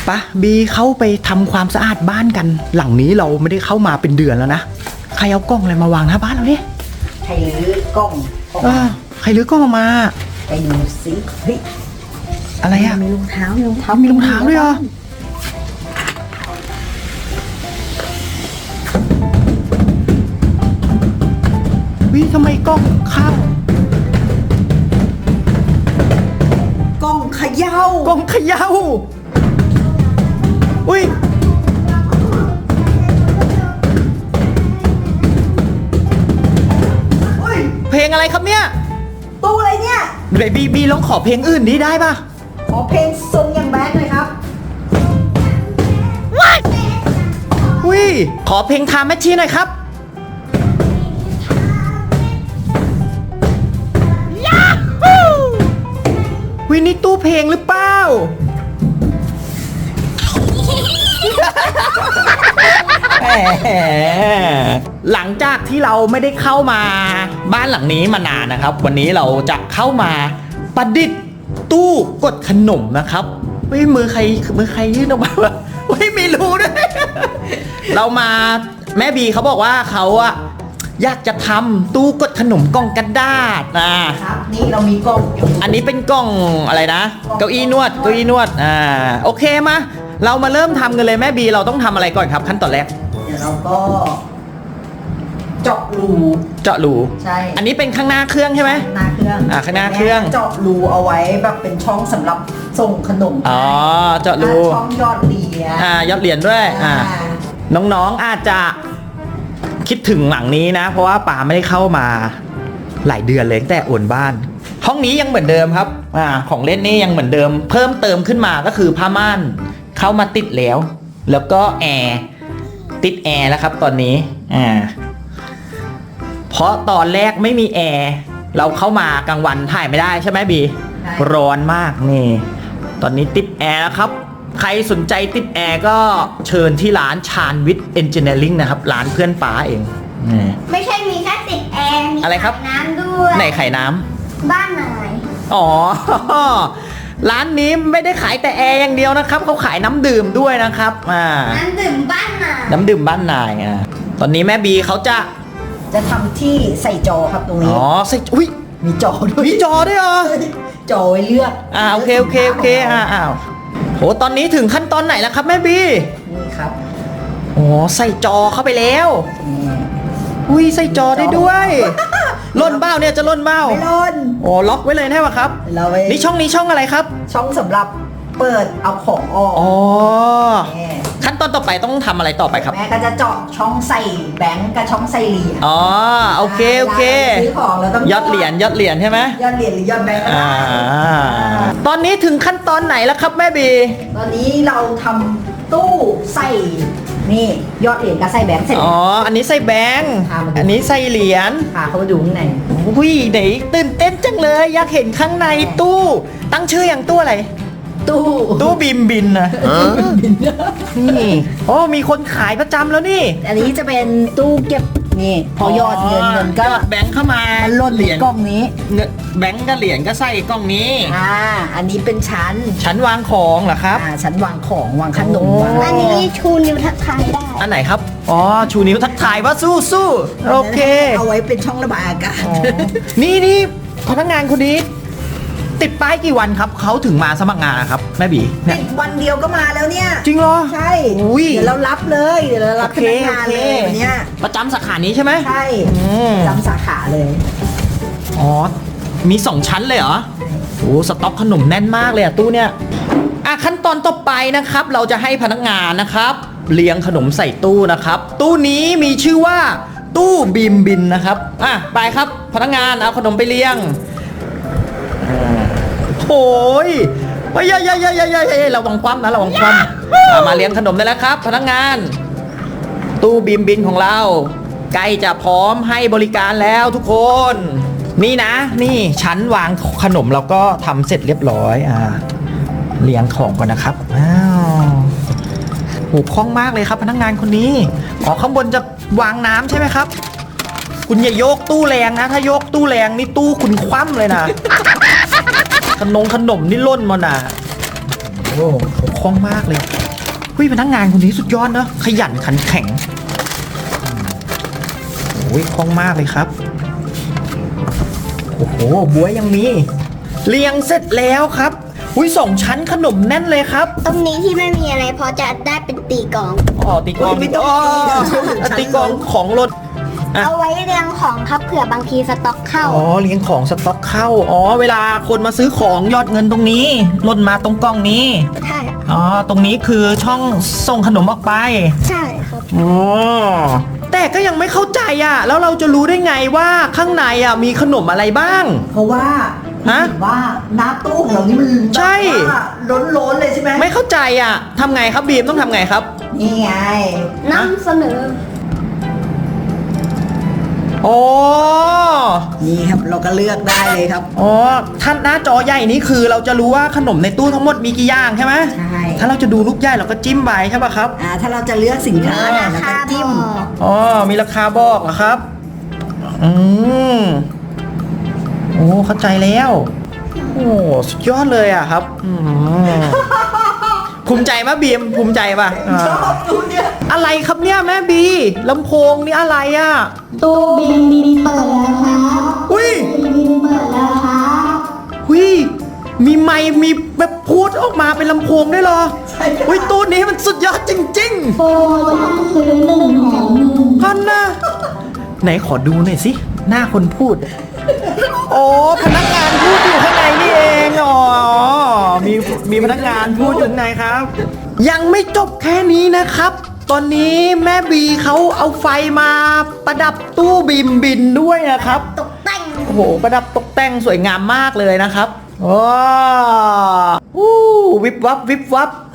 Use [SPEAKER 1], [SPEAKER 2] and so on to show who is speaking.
[SPEAKER 1] ปะบีเข้าไปทำความสะอาดบ้านกันหลังนี้เราไม่ได้เข้ามาเป็นเดือนแล้วนะใครเอากล้องอะไรมาวางหน้าบ้านเราเนี่ย
[SPEAKER 2] ใครรื้อกล้อง
[SPEAKER 1] ใครรื้อกล้องออกมา
[SPEAKER 2] ไปดูสิเฮ้ย
[SPEAKER 1] อะไรอะ
[SPEAKER 2] มีรองเท้า
[SPEAKER 1] มีรองเท้าด้วยเหรอวิทำไมกล้องข้าว
[SPEAKER 2] กล้องเขย่าก
[SPEAKER 1] ล้องเขย่าอุ้ยเพลงอะไรครับเนี่ย
[SPEAKER 2] ตู้อะไรเนี่ย
[SPEAKER 1] เบบีลองขอเพลงอื่นดีได้ป่ะ
[SPEAKER 2] ขอเพลงทรงอย่างแบดเลยครับ
[SPEAKER 1] อุ้ยขอเพลงทามแมชชีหน่อยครับวินี่ตู้เพลงหรือเปล่าหลังจากที่เราไม่ได้เข้ามาบ้านหลังนี้มานานนะครับวันนี้เราจะเข้ามาประดิษฐ์ตู้กดขนมนะครับมือใครยื่นออกมาวะมีรูด้วยเรามาแม่บีเขาบอกว่าเขาอะอยากจะทำตู้กดขนมกล่องกระดาษ
[SPEAKER 2] นะครับนี่เรามีกล่อง
[SPEAKER 1] อันนี้เป็นกล่องอะไรนะเก้าอี้นวดโอเคมาเรามาเริ่มทำกันเลยแม่บีเราต้องทำอะไรก่อนครับขั้นตอนแรก
[SPEAKER 2] เดี๋ยวเราก็เจาะรูใช่
[SPEAKER 1] อันนี้เป็นข้างหน้าเครื่องใช่ไหม
[SPEAKER 2] หน้าเครื่อง
[SPEAKER 1] ข้างหน้าเครื่อง
[SPEAKER 2] เจาะรูเอาไว้แบบเป็นช่องสำหรับส่งขนม
[SPEAKER 1] เจาะรู
[SPEAKER 2] ช่องยอดเหรียญ
[SPEAKER 1] ยอดเหรียญด้วยน้องๆอาจจะคิดถึงหลังนี้นะเพราะว่าป๋าไม่ได้เข้ามาหลายเดือนเลยตั้งแต่โอนบ้านห้องนี้ยังเหมือนเดิมครับของเล่นนี่ยังเหมือนเดิมเพิ่มเติมขึ้นมาก็คือผ้าม่านเข้ามาติดแล้วก็แอร์ติดแอร์แล้วครับตอนนี้เพราะตอนแรกไม่มีแอร์เราเข้ามากลางวันถ่ายไม่ได้ใช่ไหมบีร้อนมากนี่ตอนนี้ติดแอร์แล้วครับใครสนใจติดแอร์ก็เชิญที่ร้านชาญวิทย์เอนจิเนียริ่งนะครับร้านเพื่อนป๋าเอง
[SPEAKER 3] ไม่ใช่มีแค่ติดแอร์มี
[SPEAKER 1] อะไรครับ
[SPEAKER 3] น้ำด้วย
[SPEAKER 1] ไหนไข่น้ำ
[SPEAKER 3] บ้านไหน
[SPEAKER 1] ร้านนี้ไม่ได้ขายแต่แอร์อย่างเดียวนะครับเขาขายน้ำดื่มด้วยนะครับ
[SPEAKER 3] น้ำดื่มบ้านน
[SPEAKER 1] ายตอนนี้แม่บีเขาจะ
[SPEAKER 2] ทำที่ใส่จอครับตรงนี้
[SPEAKER 1] ใส่อุ้ย
[SPEAKER 2] มีจอ
[SPEAKER 1] ด้วยเหรอ
[SPEAKER 2] จอไว้เลือก
[SPEAKER 1] โอเคโหตอนนี้ถึงขั้นตอนไหนแล้วครับแม่บี
[SPEAKER 2] นี่ครับ
[SPEAKER 1] ใส่จอเข้าไปแล้วอุ้ยใส่จอได้ด้วยล่นเบ้าเนี่ยจะล่นเบ้า
[SPEAKER 2] ไม่ล่น
[SPEAKER 1] ล็อกไว้เลยแน่ป่ะครับนี่ช่องอะไรครับ
[SPEAKER 2] ช่องสำหรับเปิดเอาของออก
[SPEAKER 1] ขั้นตอนต่อไปต้องทำอะไรต่อไปครับ
[SPEAKER 2] แม่ก็จะเจาะช่องใส่แบงก์กับช่องใส่เหรียญ
[SPEAKER 1] โอเค
[SPEAKER 2] ซื้อของเราต้อง
[SPEAKER 1] ยอดเหรียญใช่ไหม
[SPEAKER 2] ยอดเหรียญหรือยอดแบงก์
[SPEAKER 1] ตอนนี้ถึงขั้นตอนไหนแล้วครับแม่บี
[SPEAKER 2] ตอนนี้เราทำตู้ใส่นี่ยอดเหรียญกับใส่แบงค์เสร็จ
[SPEAKER 1] อันนี้ใส่แบงค์อันนี้ใส่เหรียญ
[SPEAKER 2] เขามาดูข้างใน
[SPEAKER 1] อุ้ยไหนตื่นเต้นจังเลยอยากเห็นข้างในตู้ตั้งชื่ออย่างตู้อะไรตู้บินนะนี่มีคนขายประจำแล้วนี่
[SPEAKER 2] อันนี้จะเป็นตู้เก็บนี่พอยอดเงินก็
[SPEAKER 1] แบงค์เข้ามา
[SPEAKER 2] ล่นเหรียญกล้องนี้
[SPEAKER 1] แบงค์กับเหรียญก็ใส่กล้องนี้
[SPEAKER 2] อันนี้เป็นชั้น
[SPEAKER 1] วางของเหรอครับ
[SPEAKER 2] ชั้นวางของวางขนม
[SPEAKER 3] อันนี้ชูนิ้วทักทายได้
[SPEAKER 1] อันไหนครับชูนิ้วทักทายว่าสู้โอเค
[SPEAKER 2] เอาไว้เป็นช่องระบายอากาศ
[SPEAKER 1] นี่พนักงานคนนี้ติดป้ายกี่วันครับเขาถึงมาสมัครงานนะครับแม่บี
[SPEAKER 2] ติดวันเดียวก็มาแล้วเนี่ย
[SPEAKER 1] จริงเหรอ
[SPEAKER 2] ใช่เดี๋ยวเรารับเลยเดี๋ยวเรารับพนักงานเลยเนี่ย
[SPEAKER 1] ประจำสาขานี้ใช่ไหม
[SPEAKER 2] ใช่ประจำสาขาเลย
[SPEAKER 1] มี2ชั้นเลยเหรอสต็อกขนมแน่นมากเลยตู้เนี่ยขั้นตอนต่อไปนะครับเราจะให้พนักงานนะครับเรียงขนมใส่ตู้นะครับตู้นี้มีชื่อว่าตู้บินนะครับไปครับพนักงานเอาขนมไปเรียงโอ้ยระวังคว่ำนะระวังคว่ำมาเลี้ยงขนมได้แล้วครับพนักงานตู้บินของเราใกล้จะพร้อมให้บริการแล้วทุกคนนี่นะนี่ชั้นวางขนมเราก็ทำเสร็จเรียบร้อยเลี้ยงของก่อนนะครับโหคล่องมากเลยครับพนักงานคนนี้ข้างบนจะวางน้ำใช่ไหมครับคุณอย่าโยกตู้แรงนะถ้าโยกตู้แรงนี่ตู้คุณคว่ำเลยนะขนมนี่ล่นมาน่ะโอ้เขาคล่องมากเลยเฮ้ยพนักงานคนนี้สุดยอดเนอะขยันขันแข็งโอ้ยคล่องมากเลยครับโอ้โหบ๊วยยังมีเรียงเสร็จแล้วครับอุ้ย2 ชั้นขนมแน่นเลยครับ
[SPEAKER 3] ตรงนี้ที่ไม่มีอะไรเพราะจะได้เป็นตีกลอง
[SPEAKER 1] อ๋อตีกลอง
[SPEAKER 2] ไม่ต้อง
[SPEAKER 1] อ๋อ
[SPEAKER 2] ตี
[SPEAKER 1] ตีกลองของรถ อ่ะ
[SPEAKER 3] เอาไว้เรียงของครับเผื่อบางทีสต็อกเข้า
[SPEAKER 1] อ๋อเลี้ยงของสต็อกเข้าอ๋อเวลาคนมาซื้อของยอดเงินตรงนี้หล่นมาตรงกล่องนี้
[SPEAKER 3] ใช่
[SPEAKER 1] อ๋อตรงนี้คือช่องส่งขนมออกไป
[SPEAKER 3] ใช่ครับ
[SPEAKER 1] อ๋อแต่ก็ยังไม่เข้าใจอ่ะแล้วเราจะรู้ได้ไงว่าข้างในอ่ะมีขนมอะไรบ้าง
[SPEAKER 2] เพราะว่า
[SPEAKER 1] ฮะ
[SPEAKER 2] เห็นว่าหน้าตู้ของเรานี่มัน
[SPEAKER 1] ใช่
[SPEAKER 2] ล้นๆเลยใช่ไหม
[SPEAKER 1] ไม่เข้าใจอ่ะทำไงครับบีมต้องทำไงครับ
[SPEAKER 2] นี่ไง
[SPEAKER 3] นำเสนอ
[SPEAKER 1] อ๋อ
[SPEAKER 2] นี่ครับเราก็เลือกได้เลยครับ
[SPEAKER 1] อ๋อท่านหน้าจอใหญ่นี้คือเราจะรู้ว่าขนมในตู้ทั้งหมดมีกี่อย่างใช่ไหม
[SPEAKER 2] ใช่
[SPEAKER 1] ถ้าเราจะดูลูกใหญ่เราก็จิ้มไปใช่ป่ะครับ
[SPEAKER 2] ถ้าเราจะเลือกสินค้าเนี่ยเราก็จิ้ม
[SPEAKER 1] อ๋อมีราคาบอกเหรอครับอืมโอ้เข้าใจแล้วโอ้สุดยอดเลยอ่ะครับภูมิใจปะบีมภูมิใจปะ
[SPEAKER 2] ชอบดูเนี่ย
[SPEAKER 1] อะไรครับเนี่ยแม่บีลำโพงนี่อะไรอ่ะ
[SPEAKER 3] ตู้บินเปิดแล้วครับ
[SPEAKER 1] อุ้ย
[SPEAKER 3] บินเปิดแล้วครับ
[SPEAKER 1] หุยมีไมค์มีแบบพูดออกมาเป็นลำโพงได้เหรอ
[SPEAKER 2] ใช่ค่ะ
[SPEAKER 1] อุ้ยตู้นี้มันสุดยอดจริง
[SPEAKER 3] โปรซื้อ1 แถม 1
[SPEAKER 1] ๆพันนะไหนขอดูหน่อยสิหน้าคนพูดโอ้พนักงานพูดอยู่ข้างในนี่เองอ๋อมีพนักงานพูดอยู่ข้างในครับ ยังไม่จบแค่นี้นะครับ ตอนนี้แม่บีเขาเอาไฟมาประดับตู้บิมบินด้วยนะครับ
[SPEAKER 3] ตกแต่ง
[SPEAKER 1] โอ้โหประดับตกแต่งสวยงามมากเลยนะครับว้าววิบวับวิบวับ